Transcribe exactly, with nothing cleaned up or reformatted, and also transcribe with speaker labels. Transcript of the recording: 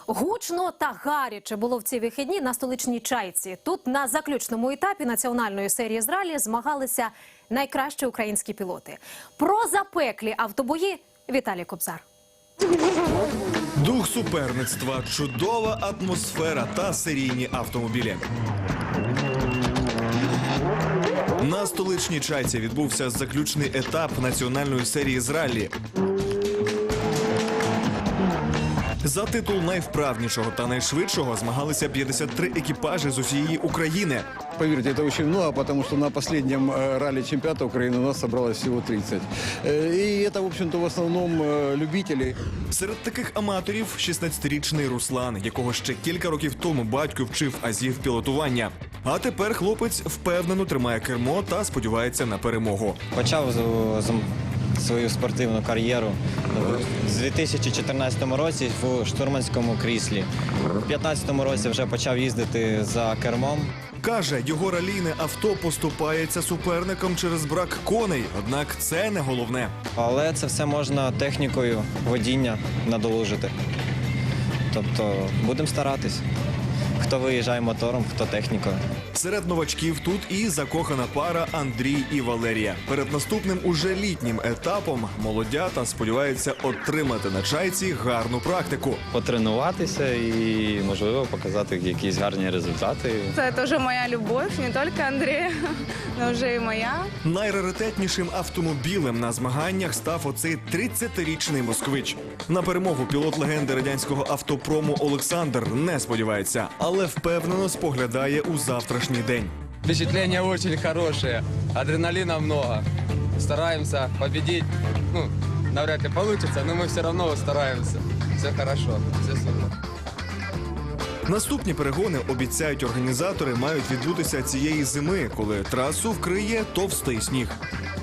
Speaker 1: Гучно та гаряче було в ці вихідні на столичній Чайці. Тут на заключному етапі національної серії з ралі змагалися найкращі українські пілоти. Про запеклі автобої Віталій Кобзар.
Speaker 2: Дух суперництва, чудова атмосфера та серійні автомобілі. На столичній Чайці відбувся заключний етап національної серії з раллі. За титул найвправнішого та найшвидшого змагалися п'ятдесят три екіпажі з усієї України.
Speaker 3: Поверьте, это очень много, потому что на последнем ралли чемпионата Украины у нас собралось всего тридцать. И это, в общем-то, в основном любители.
Speaker 2: Серед таких аматорів шістнадцятирічний Руслан, якого ще кілька років тому батько вчив азів пілотування. А тепер хлопець впевнено тримає кермо та сподівається на перемогу.
Speaker 4: Почав з- з- свою спортивну кар'єру в дві тисячі чотирнадцятому році в штурманському кріслі. У дві тисячі п'ятнадцятому році вже почав їздити за кермом.
Speaker 2: Каже, його ралійне авто поступається суперникам через брак коней, однак це не головне.
Speaker 4: Але це все можна технікою водіння надолужити. Тобто будемо старатись. Хто виїжджає мотором, хто технікою.
Speaker 2: Серед новачків тут і закохана пара Андрій і Валерія. Перед наступним уже літнім етапом молодята сподіваються отримати на Чайці гарну практику.
Speaker 5: Потренуватися і, можливо, показати якісь гарні результати.
Speaker 6: Это тоже моя любовь, не только Андрея, но уже и моя.
Speaker 2: Найраритетнішим автомобілем на змаганнях став оцей тридцятирічний москвич. На перемогу пілот легенди радянського автопрому Олександр не сподівається, але впевнено споглядає у завтрашній день.
Speaker 7: Впечатления очень хорошие, адреналина много. Стараемся победить. Ну, навряд ли получится, но мы все равно стараемся. Все хорошо, все супер.
Speaker 2: Наступні перегони, обіцяють організатори, мають відбутися цієї зими, коли трасу вкриє товстий сніг.